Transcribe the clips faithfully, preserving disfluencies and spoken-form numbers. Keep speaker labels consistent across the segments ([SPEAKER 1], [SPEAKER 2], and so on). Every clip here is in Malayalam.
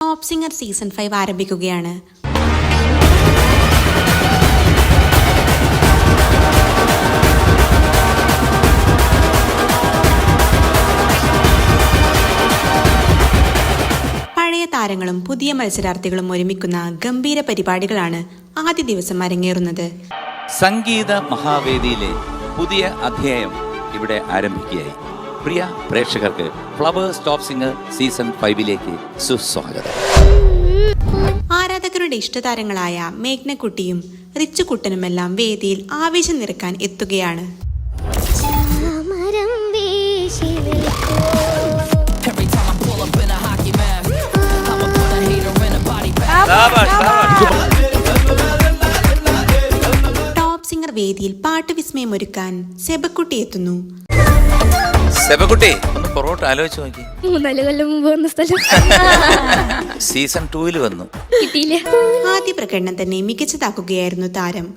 [SPEAKER 1] ടോപ്പ് സിംഗർ സീസൺ ഫൈവ് ആരംഭിക്കുകയാണ്. പഴയ താരങ്ങളും പുതിയ മത്സരാർത്ഥികളും ഒരുമിക്കുന്ന ഗംഭീര പരിപാടികളാണ് ആദ്യ ദിവസം അരങ്ങേറുന്നത്.
[SPEAKER 2] സംഗീത മഹാവേദിയിലെ പുതിയ അധ്യായം ഇവിടെ ആരംഭിക്കുകയായി. പ്രിയ പ്രേക്ഷകർക്ക് ഫ്ലവേഴ്സ് ടോപ്പ് സിംഗർ സീസൺ ഫൈവിലേക്ക് സുസ്വാഗതം.
[SPEAKER 1] ആരാധകരുടെ ഇഷ്ടതാരങ്ങളായ മേഘ്നക്കുട്ടിയും റിച്ചുകുട്ടനുമെല്ലാം വേദിയിൽ ആവേശം നിറക്കാൻ എത്തുകയാണ്. ടോപ്പ് സിംഗർ വേദിയിൽ പാട്ട് വിസ്മയം ഒരുക്കാൻ സെബക്കുട്ടി എത്തുന്നു.
[SPEAKER 2] സെബക്കുട്ടി ഒന്ന് പൊറോട്ട ആലോചിച്ച് നോക്കി.
[SPEAKER 3] മൂന്നാല് കൊല്ലം മുമ്പ് വന്ന സ്ഥലം
[SPEAKER 2] സീസൺ ടൂവിൽ വന്നു
[SPEAKER 3] കിട്ടിയില്ല.
[SPEAKER 1] ആദ്യ പ്രകടനം തന്നെ മികച്ചതാക്കുകയായിരുന്നു താരം.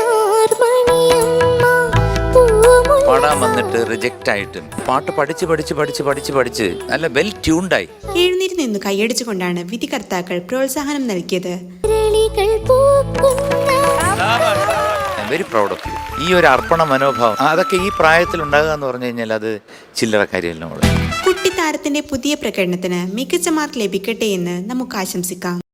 [SPEAKER 2] പാടാൻ വന്നിട്ട് റിജക്റ്റ് ആയിട്ടും പാട്ട് പഠിച്ച് പഠിച്ച് പഠിച്ച് പഠിച്ച് പഠിച്ച് നല്ല വെൽ ട്യൂൺഡായി
[SPEAKER 1] എഴുന്നേറ്റ് നിന്ന് കൈയടിച്ചുകൊണ്ടാണ് വിധികർത്താക്കൾ പ്രോത്സാഹനം നൽകിയത്.
[SPEAKER 2] Very proud of you. ഈ ഒരു അർപ്പണ മനോഭാവം അതൊക്കെ ഈ പ്രായത്തിൽ ഉണ്ടാകുക എന്ന് പറഞ്ഞു കഴിഞ്ഞാൽ അത് ചില്ലറ കാര്യമല്ല.
[SPEAKER 1] കുട്ടിത്താരത്തിന്റെ പുതിയ പ്രകടനത്തിന് മികച്ച മാർക്ക് ലഭിക്കട്ടെ എന്ന് നമുക്ക് ആശംസിക്കാം.